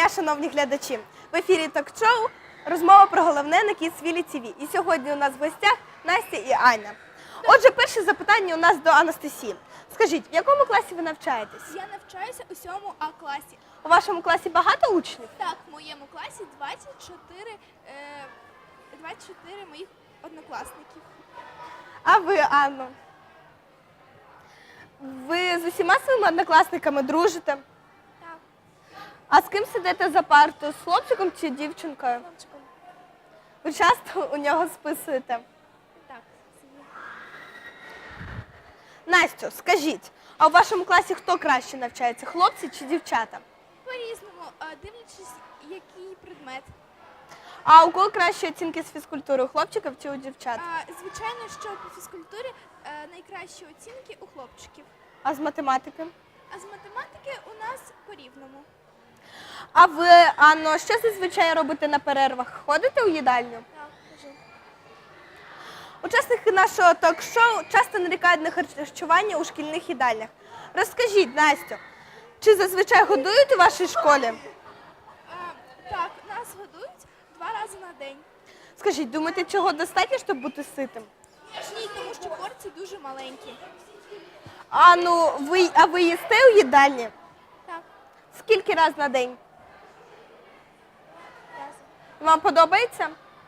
дня, шановні глядачі! В ефірі ток-шоу «Розмова про головне» на Kidsville TV. І сьогодні у нас в гостях Настя і Аня. Отже, перше запитання у нас до Анастасії. Скажіть, в якому класі ви навчаєтесь? Я навчаюся у 7 А класі. У вашому класі багато учнів? Так, в моєму класі 24 моїх однокласників. А ви, Анно? Ви з усіма своїми однокласниками дружите? Так, А з ким сидите за партою? З хлопчиком чи дівчинкою? хлопчиком. Ви часто у нього списуєте? Так, собі. Настю, скажіть, а у вашому класі хто краще навчається, хлопці чи дівчата? По-різному, дивлячись, який предмет. А у кого кращі оцінки з фізкультури, у хлопчиків чи у дівчат? Звичайно, що по фізкультурі найкращі оцінки у хлопчиків. А з математики? А з математики у нас по-рівному. А ви, Анно, що зазвичай робите на перервах? Ходите у їдальню? Так, кажи. Учасники нашого ток-шоу часто нарікають на харчування у шкільних їдальнях. Розкажіть, Настю, чи зазвичай годують у вашій школі? Так, нас годують 2 рази на день. Скажіть, думаєте, цього достатньо, щоб бути ситим? Ні, тому що порції дуже маленькі. А ви їсте у їдальні? Так, Скільки разів на день? разом. Вам подобається?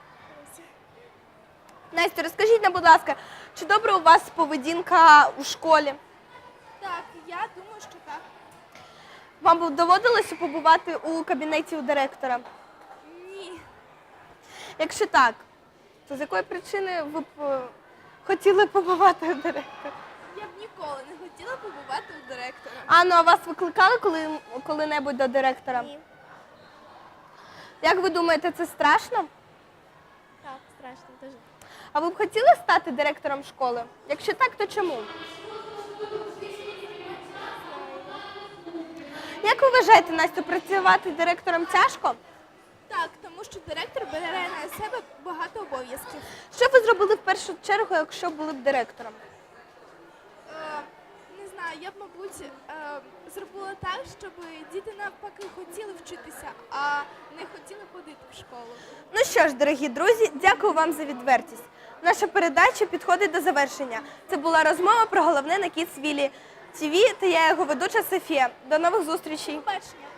Настя, розкажіть нам, будь ласка, чи добра у вас поведінка у школі? Так, я думаю, що так. Вам доводилося побувати у кабінеті у директора? Ні. Якщо так, то з якої причини ви б хотіли побувати у директора? Я б ніколи не хотіла побувати у директора. Анно, а вас викликали коли-небудь до директора? Ні. Як ви думаєте, це страшно? Так, страшно дуже. А ви б хотіли стати директором школи? Якщо так, то чому? Як ви вважаєте, Настю, працювати директором тяжко? Так, тому що директор бере на себе багато обов'язків. Що б ви зробили в першу чергу, якщо були б директором? Не знаю, я б, мабуть, зробила так, щоб діти навпаки хотіли вчитися, а не хотіли ходити в школу. Ну що ж, дорогі друзі, дякую вам за відвертість. Наша передача підходить до завершення. Це була розмова про головне на Kidsville TV та я його ведуча Софія. До нових зустрічей. Побачення.